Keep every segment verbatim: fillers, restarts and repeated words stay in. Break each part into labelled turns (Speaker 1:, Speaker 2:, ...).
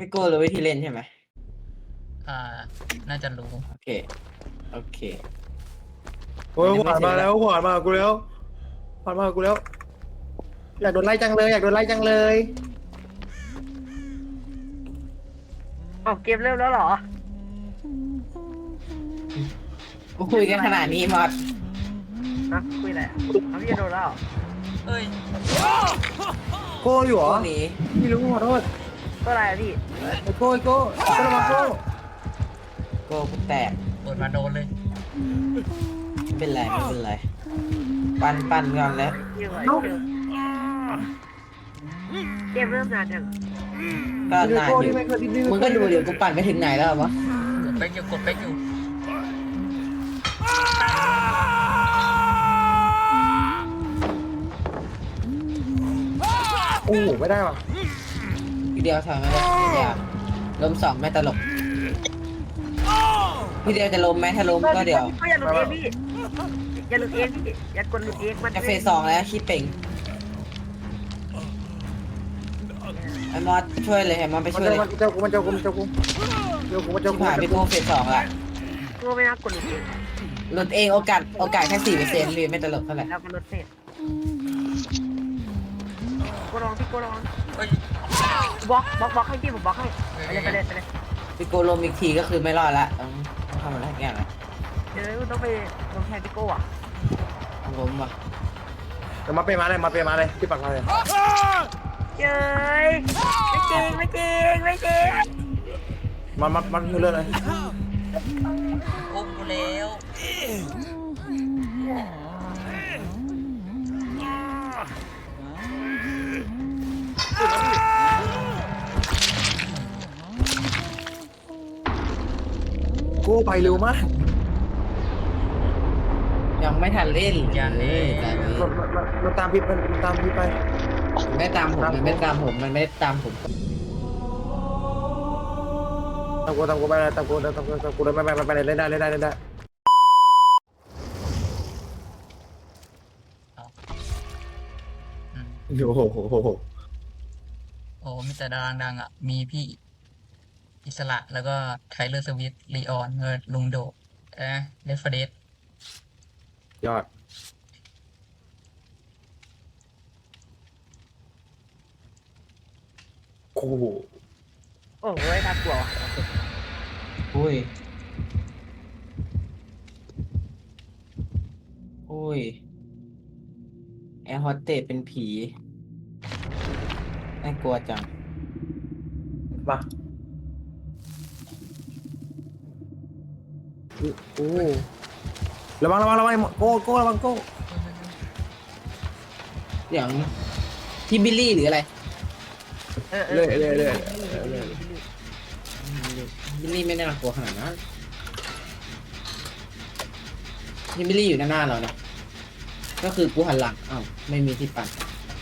Speaker 1: พี่โก้รู้วิธีเล่นใช่ไหม
Speaker 2: อ่าน่าจะรู้
Speaker 1: โอเคโอเค
Speaker 3: โอ้ยผ่านมาแล้วผ่านมากูแล้วผ่านมากูแล้วอยากโดนไล่จังเลยอยากโดนไล่จังเลย
Speaker 4: ออกเกมเริ่มแล้วเหรอ
Speaker 1: กูคุยกันขนาดนี้มอด
Speaker 4: ฮะคุยอะไรอ่ะเอาพี่จะโดนแล้วเหรอ
Speaker 2: เอ้ย
Speaker 3: โก้อยู่เหร
Speaker 1: โก้
Speaker 3: อ
Speaker 1: หนี
Speaker 3: พี่รู้ขอโทษ
Speaker 4: ตัวอะไรอ่ะพี่
Speaker 3: ไอ้โก้ไอ้โก้โก้ระวังโก้
Speaker 1: โก้กูแตก
Speaker 2: โดนมาโดนเลย
Speaker 1: ไม่เป็นไรไม่เป็นไรปั่นปั่นก่อนแล้ว
Speaker 4: เกมอะไรเกมเกมเริ่มนานยัง
Speaker 1: ก็
Speaker 3: ไอ้
Speaker 1: นาน
Speaker 3: โก้
Speaker 1: อยู่
Speaker 3: ที่ไม่เคยดิ้นดิ้น
Speaker 1: มึงก็ดูเดี๋ยวกูปั่นไปถึงไหนแล้ววะ
Speaker 2: กดเป๊กอยู่กดเป๊กอยู่
Speaker 3: โอ้โหไม่ได้ว่ะ
Speaker 1: พี่เดียวถอยมาเลยอย่าล้มสองไม่ตลกพี่เดียวจะล้มไหมถ้าล้มก็เดี๋ยว
Speaker 4: ก็อย่าหลุดเองพี่อย่าหลุดเองพี่อย่ากดหลุดเองมัน
Speaker 1: จะเฟสสองแล้วขี้เป่งไอ้มอสช่วยเลยไอ้มอสไป
Speaker 3: มัน
Speaker 1: ช่วย
Speaker 3: เจ้า
Speaker 1: เลย
Speaker 3: มันเจ้ากูมันเจ้ากูมันเจ้ากูเจ้ากูมันเจ้า
Speaker 1: ที่
Speaker 3: กู
Speaker 1: ผ่านพี่โก้เฟสสองละ
Speaker 4: ตัวไม่น่ากดหลุดเอง
Speaker 1: หลุดเองโอกาสโอกาสแค่สี่เปอร์เซ็นต์พี่ไม่ตลกเท่าไหร่
Speaker 4: แล้วก็ลดเศษก็ลองพี่ก็ลอง
Speaker 2: เอ้ย
Speaker 4: บล็อกบล็อกบล็อกให้พี่ผมบล็อกให้ไปเลยไปเลยไปเลย
Speaker 1: พี่โก้ล้มอีกทีก็คือไม่รอดละต้องต้องทำอะไรสักอย่างละ
Speaker 4: เดี๋ยวต้องไปลงแทนพี่โก้อ่ะ
Speaker 1: ต้องล้มว่ะ
Speaker 3: เดี๋ยวมาเป็นมาเลยมาเป็นมาเลยที่ปักมาเลย
Speaker 4: เจ้ยไม่จริงไม่จริงไม่จริง
Speaker 3: มามามันเลื่อนเลย
Speaker 2: อุ้มกูแล้ว
Speaker 3: โก้ไปเร็วมาก
Speaker 1: ยังไม่ทันเล่น
Speaker 2: ยันเลย
Speaker 1: ตอนนี้
Speaker 3: มันมันมันตามพี่มันตามพี่ไป
Speaker 1: มันไม่ตามผมมันไม่ตามผมมันไม่ตามผม
Speaker 3: ตามกูตามกูไปเลยตามกูตามกูตามกูเลยไปไปไปเลยเล่นได้เล่นได้เล่นได้
Speaker 2: อืม
Speaker 3: โอ้โหโอ้โห
Speaker 2: โอ้มีแต่ดารางดังอ่ะ มีพี่อิสระแล้วก็ไทเลอร์สวิตลีออนเงินลุงโดเอ๊ะเดฟเดส
Speaker 3: ยอดโอ้โห
Speaker 4: โอ้โหน่ากลัว
Speaker 1: อุ้ยอุ้ยแอร์โฮสเตสเป็นผีน่ากลัวจัง
Speaker 3: มาโอ้ระวังระวังระวังโก้โก้ระวังโก้
Speaker 1: อย่างที่บิลลี่หรืออะไร
Speaker 4: เออเอ
Speaker 3: เล
Speaker 4: อย
Speaker 3: เลยเลย
Speaker 1: บิลลี่ไม่น่ากลัวขนาดนั้นที่บิลลี่อยู่หน้าหน้าเราเนี่ยก็คือกูหันหลังอ้าวไม่มีที่ปั่น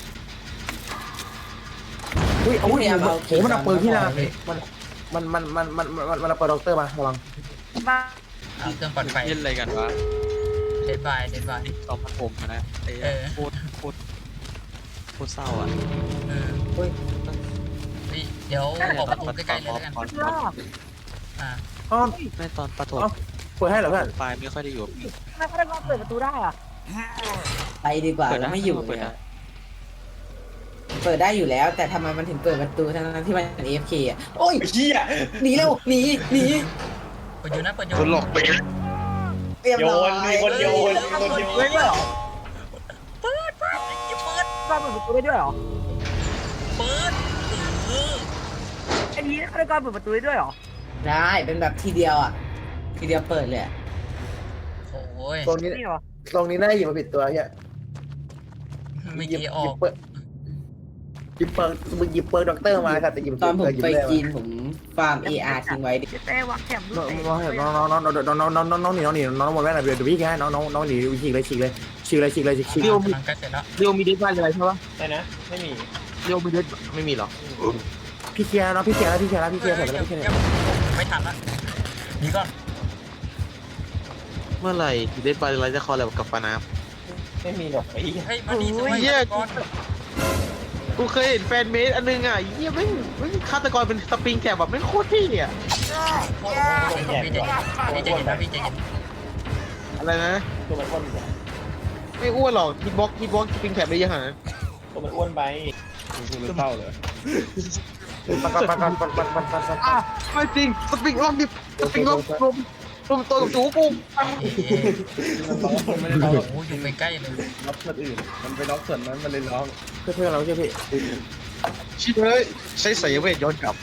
Speaker 3: อุ้ยโอ้ย
Speaker 1: พยายามเอา
Speaker 3: โอ้มันเอาปืนที่นา
Speaker 1: พี่
Speaker 3: มันมันมันมันมันมันมันเอาปืนด็อกเตอร์มาระวัง
Speaker 4: บ้า
Speaker 2: เอาเครื่องปั่นไฟ
Speaker 5: เล่นอะไรกันวะ
Speaker 2: เดดบายเดดบาย
Speaker 5: ตอนปฐมอะนะไอ้
Speaker 2: เออ
Speaker 5: โคตรโคตรโคตรเศร้าอ่ะ
Speaker 2: เออ
Speaker 1: เฮ้ย
Speaker 2: เฮ้ยเดี๋ยวออกประตูใกล้ๆเลยแล้วกัน
Speaker 5: ตอน
Speaker 4: รอบ
Speaker 2: อ่า
Speaker 3: อ๋อ
Speaker 5: ในตอนปฐม
Speaker 3: เอ้า เปิดให้เหรอเพื่อน
Speaker 5: ปลายไม่ค่อยได้อยู่กับพี่
Speaker 4: ทำไมเขาได้รอบเปิดประตูได้อ่ะ
Speaker 1: ไปดีกว่า
Speaker 5: เปิด
Speaker 1: เรา
Speaker 5: ได้
Speaker 1: ไม่อยู่
Speaker 5: เปิด
Speaker 1: เนี่
Speaker 5: ได้
Speaker 1: ยเปิดได้อยู่แล้ว แต่ทำไมมันถึงเปิดประตูทั้งๆที่มันเป็น เอ เอฟ เค อ่ะโอ้ยเฮียหนีเร็วหนีหนี
Speaker 2: เปิดอยู่นะเปิดอยู่
Speaker 5: คนหลอกไป
Speaker 1: เตรียมร้อย
Speaker 6: มีคนโยนมีคนโยน
Speaker 4: เฮ้ยด้วยเหรอ
Speaker 2: เปิดเปิดอย่าเปิด
Speaker 4: รอบเปิดประตูได้ด้วยเหรอ
Speaker 2: เปิดเออ
Speaker 4: ไอ้นี้เขาได้การเปิดประตูได้ด้วยเหรอ
Speaker 1: ได้เป็นแบบทีเดียวอ่ะ ทีเดียวเปิดเลยอะ
Speaker 2: โอ้ย
Speaker 3: ตรงนี้
Speaker 4: นี่เหรอ
Speaker 3: ตรงนี้น่าหยิบมาผิดตัวเฮีย
Speaker 2: ไม่
Speaker 3: หยิบ
Speaker 2: กี่อ
Speaker 3: ห
Speaker 2: อ
Speaker 3: ยิบ
Speaker 2: ก
Speaker 3: เปิดหยิบเปิดมึงหยิบเปิดด็อกเตอร์มาค่ะแต่หยิบ
Speaker 1: ตอนผม
Speaker 3: หยิบ
Speaker 1: ไป
Speaker 3: เลย
Speaker 1: จีนผมฟาร์ม เอ อาร์ ทิ้งไว้ดิ
Speaker 4: เจ๊เต้วางแคม
Speaker 3: น้องน้องน้องน้องน้องน้องน้องน้องน้องหนีน้องหนีน้องหมดแม่หน่อยเดี๋ยวพี่แค่น้องน้องน้องหนีฉีกเลยฉีกเลยฉีกเลยฉีกเลยฉีกฉีก
Speaker 2: กำลังใกล้เสร็จแล้ว
Speaker 6: เรียวมีเดทบ้านอะไรใช่ปะใช่นะ ไม่มี
Speaker 5: เรียวมีเด็ดไม่มีหรอ
Speaker 3: พี่เคลียร์น้องพี่เคลียร์แล้วพี่เคลียร์แล้วพี่เคลียร์เสร็จ
Speaker 2: เอ
Speaker 3: แล้ว
Speaker 2: อ
Speaker 3: พี่เคลียร์
Speaker 2: เดี๋ยวไม่ทันละหนีก่อน
Speaker 5: เมื่อไหร่เด็ดบาร์อะไรจะคอลแลบกับปานาฟ
Speaker 6: ไม่มีหรอกไอ้เหี้ย
Speaker 2: เฮ้ยมาดีสวย
Speaker 5: เหี้ย
Speaker 2: ก่อน
Speaker 5: กูเคยเห็นแฟนเมดอันนึงอ่ะเยี่ยไม่ไม่ฆาตกรเป็นสปริงแคบแบบไม่โคตรเท่อ่ะ
Speaker 2: โอ้โหพี่ใจเย็นพี่ใจเย็นนะพี่ใจเย็น
Speaker 5: อะไรนะ
Speaker 6: ตัวมันอ้วน
Speaker 5: ไม่อ้วนหรอกฮิตบ็อกฮิตบ็อกสปริงแคบได้ยังไง
Speaker 6: ตัวมันอ้วนไปคุณรู้เต้าเหรอ
Speaker 3: ปันปันปันปันปันปันปันปัน
Speaker 5: อ่ะไม่จริงสปริงล็อกดิสปริงล็อกรวมรวมตัวกับจูกู
Speaker 2: เอ๊ะ
Speaker 6: มันไม่ได้ร้อง
Speaker 2: โอ้โหอยู่ใกล้ๆเลย
Speaker 6: ล็อกส่วนอื่น มันไปล็อกส่วนนั้นมันเลยร้อง
Speaker 3: เพื่อนเพื่อนเราใช่พี่
Speaker 5: ชิบเลยใช้สายเวทย้อนกลับ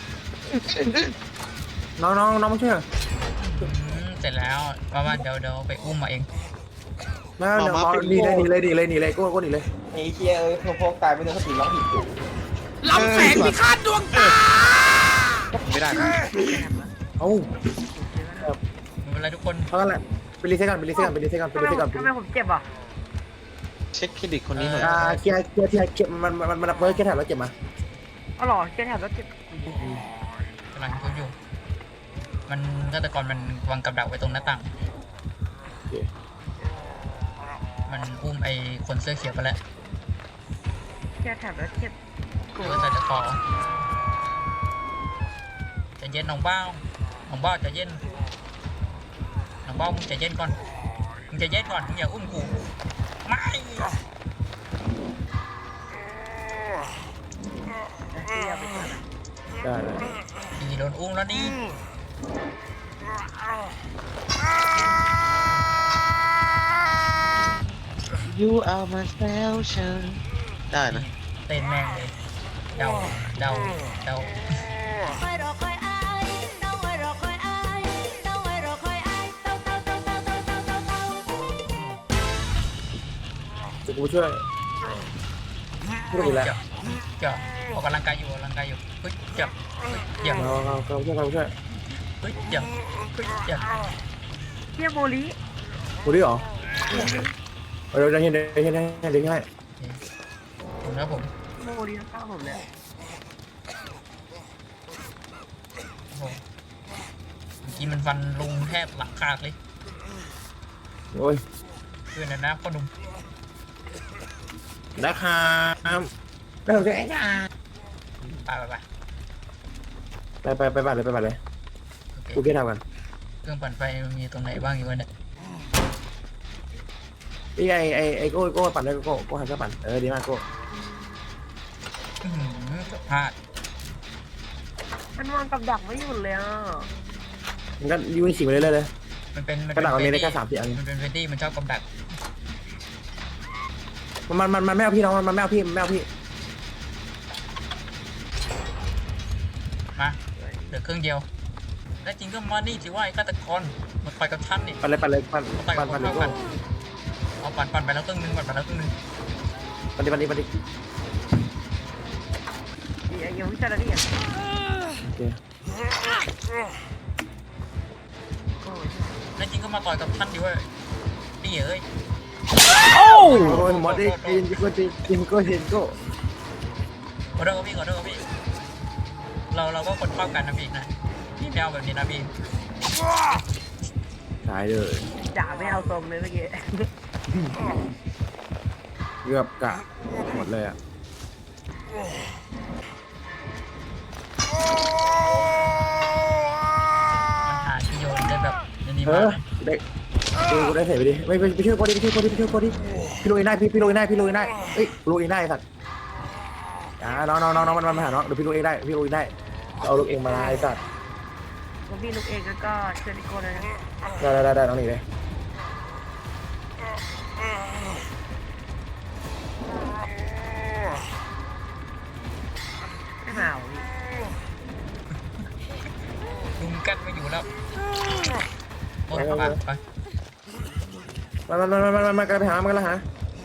Speaker 3: น้องน้องน้องมาช่วย
Speaker 2: อืมเสร็จแล้วประมาณเดี๋ยวเดี๋ยวไปอุ้มมาเอง
Speaker 3: มาเดี๋ยวหนีเลยหนีเลยหนีเลยหนีเลยกูกูหนีเลย
Speaker 6: ไอ้เชี่ยเอ้ยพวกพวกตายไม่โดนสติล็อกผิดจุด
Speaker 5: ลำแสงพิฆาตดวงตาไม่ได้นะ
Speaker 3: เอ้า
Speaker 2: ไม่เป็นไรทุกคน
Speaker 3: เท่านั้นแหละไปรีเซ็ตกันไปรีเซ็ตกันไปรีเซ็ตกันไป
Speaker 4: ทำไม
Speaker 3: รีเซ็ตกัน
Speaker 4: ทำไมผมเจ็บอ่ะ
Speaker 5: เช็คเครดิตคนนี้หน่อย
Speaker 3: อ่าเคลียร์เคลียร์เคลียร์เก็บมันมันมันเบิร์ดแค่แถบแล้วเก็บมา
Speaker 4: อ๋อเหรอเจ็บแถบแล้วเจ็บ
Speaker 2: กำลังคุยอยู่ มันฆาตกรมันวางกับดักไว้ตรงหน้าต่าง มันอุ้มไอ้คนเสื้อเขียวไปแล้ว
Speaker 4: เจ็บแถบแล้วเจ็บ
Speaker 2: เออใส่ตะขอใจะเย็นน้องเบ้าน้องเบ้าใจะเย็นน้องเบ้ามึงใจะเย็นก่อนมึงใจะเย็นก่อนมึงอย่าอุ้มกูไม่
Speaker 3: ได้เลย
Speaker 2: อีโดนอุ้มแล้วนี่
Speaker 5: ยูเอามาแซวฉันได้นะ
Speaker 2: เต้นแม่งเลยเดาเดาเดา
Speaker 7: คอยรอคอยอายน้องไว้รอคอยอายน้องไว้รอคอยอายเต้าเต้าเต้าเต้าเต้าเต้าเต้าเต้า
Speaker 3: จะกูช่วยช่วยอีกแล้ว
Speaker 2: เจาะเจาะออกกำลังกายอยู่ออกกำลังกายอยู่เฮ้ยเจาะเฮ้ยเจาะ
Speaker 3: เราเราเราช่วยเราช่วย
Speaker 2: เฮ้ยเจาะเฮ้ยเจาะ
Speaker 4: เจ็บโมลิ
Speaker 3: กูดิหรอเดี๋ยวจะเห็นเดี๋ยวเห็นให้เดี๋ยวให้
Speaker 2: ผมนะผม
Speaker 4: โมลิข้างผมเลย
Speaker 2: โอ้โหเมื่อกี้มันฟันลุงแทบหลังขาดเลย
Speaker 3: โอ้ย
Speaker 2: เพื่อนนะนะพ่อหนุ่ม
Speaker 3: นะครับได้ผมช่วย
Speaker 2: ไปไปไป
Speaker 3: ไปไปไปบัตรเลยไปบัตรเลย
Speaker 2: โอเค
Speaker 3: กูแค่ทำกัน
Speaker 2: เครื่องปั่นไฟมันมีตรงไหนบ้างอยู่วะเนี่ย
Speaker 3: นี่ไอไอไอโก้โก้ปั่นเลยโก้โก้หันก็ปั่นเออดีมากโก้
Speaker 2: อื้อหือพลาด
Speaker 4: มันวางกับดักไม่หยุดเลยอ่ะ
Speaker 3: มันก็ยืนฉีกไปเรื่อยๆเลย
Speaker 2: มันเป็นมัน
Speaker 3: กระ
Speaker 2: เป็น
Speaker 3: ดาษมันมีได้
Speaker 2: เฟ
Speaker 3: แค่
Speaker 2: รด
Speaker 3: สามสี่อัน
Speaker 2: มันเป็นเฟรดดี้มันชอบกำดัก
Speaker 3: มันมันมันไม่เอาพี่น้องมันไม่เอาพี่มันไม่เอาพี่
Speaker 2: มาเหลือเครื่องเดียวและจริงก็มานี่สิว่าไอ้ฆาตกรมันไปกับฉันนี่
Speaker 3: ปั่นเลยปั่นเลยปั่น
Speaker 2: ไปกั
Speaker 3: ปั่
Speaker 2: บ
Speaker 3: น
Speaker 2: ค
Speaker 3: ปั่น
Speaker 2: น
Speaker 3: เลย
Speaker 2: เท่า
Speaker 3: โก้
Speaker 2: กันเอาปั่นปั่นไปแล้วครึ่งหนึงปั่นไปแล้วครึ่งหนึง
Speaker 3: ปั่นดิปั่นดิปั่นดิ
Speaker 4: เดี๋ยวเดี๋ยววิจารณ์นี่อ่ะ
Speaker 3: โอเค
Speaker 2: และจริงก็มาต่อยกับฉันดิเว่าดีเอ้ย
Speaker 3: โอ้ยหมดดิกินกินกินกินโก้กินโก้
Speaker 2: ขอโทษครับพี่ขอโทษครับพี่เราเราก็คนเท่ากันนะพี่นะพี่ไม่เอาแบบนี้นะพี่
Speaker 3: ตายเลย
Speaker 4: ด่าไม่เอาทรงเลยเมื่อกี้
Speaker 3: เกือบกะหมดเลยอ่ะ
Speaker 2: มันหาที่โยนได้แบบนี้
Speaker 3: เอ
Speaker 2: มา
Speaker 3: อก ได้ดูได้เสร็จไปดิไม่ไปช่วยโก้ดิไปช่วยโก้ดิไปช่วยโก้ดิพี่ลุยได้พี่พี่ลุยได้พี่ลุยได้เอ้ยลุยได้สัตว์อ่าน้องน้องน้องน้องมันมาหาน้องเดี๋ยวพี่ลุยได้พี่ลุยได้เอาลูกเองมาไอ้สัตว์
Speaker 4: แล้วพี่ลูกเองก็เชิญนิโก้เลยนะ
Speaker 3: ได้ได้ได้น้องหนีเลย
Speaker 4: ไม่มาเอาพี่
Speaker 2: ลุงกัดไม่อยู่แล้วโอ้ยไปไป
Speaker 3: มามามามามามากันไปหามากันละหา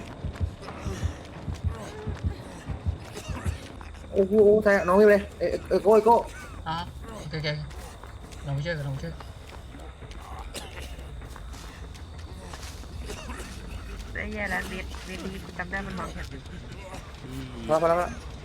Speaker 3: โอ้โหใส่น้องนี่เลยเออเออโก้โก้
Speaker 2: อ๋อโอเคโอเคเราไม่เชื่อเราไม่เชื่อ
Speaker 4: ได้แย่แล้วเด็ดเด็ดดีจำได้มันมองแถบอยู่
Speaker 3: พอพอแล้ว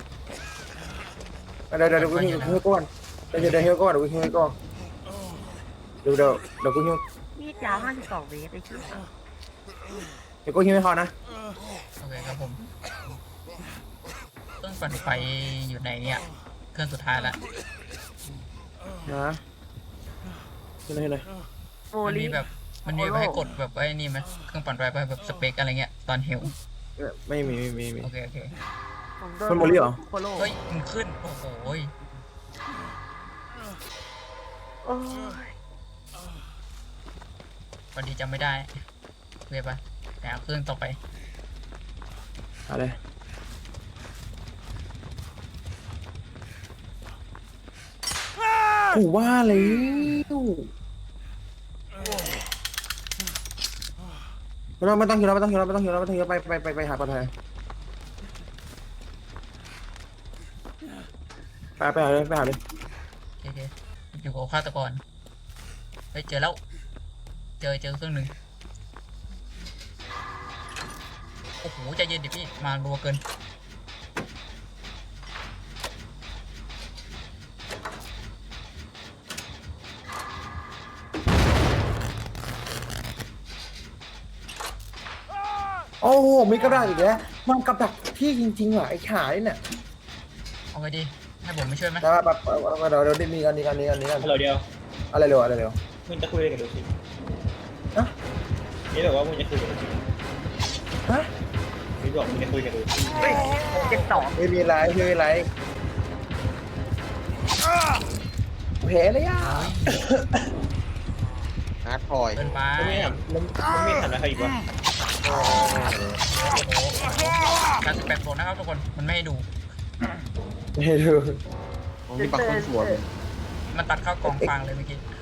Speaker 3: เดี๋ยวเดี๋ยวเดี๋ยวกูหิ้วหิ้วก้อนเดี๋ยวเดี๋ยวหิ้วก้อนเดี๋ยวกูหิ้วก้อนเดี๋ยวเดี๋ยวเดี๋ยวกูหิ้ว
Speaker 4: มีดยาวห้าสิบสองเมตรไอ้ชิ้น
Speaker 3: เดี๋ยวกูหิ้วให้พอนะ
Speaker 2: โอเคครับผมรื่องปั่นไฟอยู่ในเนี่ยเครื่องสุดท้ายละ
Speaker 3: นะเห็นเลยเห็นเลย
Speaker 4: โม
Speaker 2: มัน
Speaker 4: ลี
Speaker 2: มีแบบมันมีแบบให้กดแบบไอ้นี่ไหมเครื่องปั่นไฟไปแบบสเปคอะไรเงี้ยตอนเฮล
Speaker 3: เออไม่มีไม่มีไม่มี
Speaker 2: โอเคโอเค
Speaker 4: ผมโดน
Speaker 3: มันโมลี่เหรอ
Speaker 4: โคโล
Speaker 2: เฮ้ยมันขึ้นโอ้โหย
Speaker 4: โอ้ย
Speaker 2: พอดีจำไม่ได้เรียบปะแต่เอาเครื่องต่อไป
Speaker 3: อะไรกูว่าแล้วไม่ต้องไม่ต้องคิวแล้วไม่ต้องคิวแล้วไม่ต้องคิวแล้วไม่ต้องคิวแล้วไปไปไปไปหาปลอดภัยไปไปหาเลยไปหาเลย
Speaker 2: โอเคโอเคอยู่กับฆาตกรเฮ้ยเจอแล้วเจอเจอเครื่องหนึ่งโอ้โหใจเย็นดิพี่มารัวเกิน
Speaker 3: โอ้โหมีกระดาษอีกแล้วมันกับดักที่จริงๆว่ะไอ้ขายเนี่ย
Speaker 2: เอาไงดีให้ผมไม่ช่วยไหม
Speaker 3: แต่ว่าแบบเดี๋ยวเดี๋ยวมีกันนี้กันนี้กันนี้กัน
Speaker 6: ฮัลโหลเดียว
Speaker 3: อะไรเร็วอะไรเร็ว
Speaker 6: มึงจะคุยอะไรกับดูสิ
Speaker 3: ฮะ
Speaker 6: นี่บอกว่ามึงจะคุยกับดูสิ
Speaker 3: ฮะ
Speaker 6: นี่บอกมึงจะคุยกับดูสิ
Speaker 4: เฮ้ยเจ็ดสอง
Speaker 3: ไม่มีไรไม่มีไรแผลเลยอ่ะ
Speaker 5: ฮาร์ดพอย
Speaker 2: เกินไป
Speaker 6: มึงไม่ทำมึงมึงไม่ทำอะไรเขาอีกวะ
Speaker 2: โอ้โหการสเปคโฟนนะครับทุกคนมันไม่ให้ดู
Speaker 3: ไม่ดู
Speaker 5: ผมมีปักต้นสวน
Speaker 2: มันตัดเข้ากองฟางเลยเมื่อกี้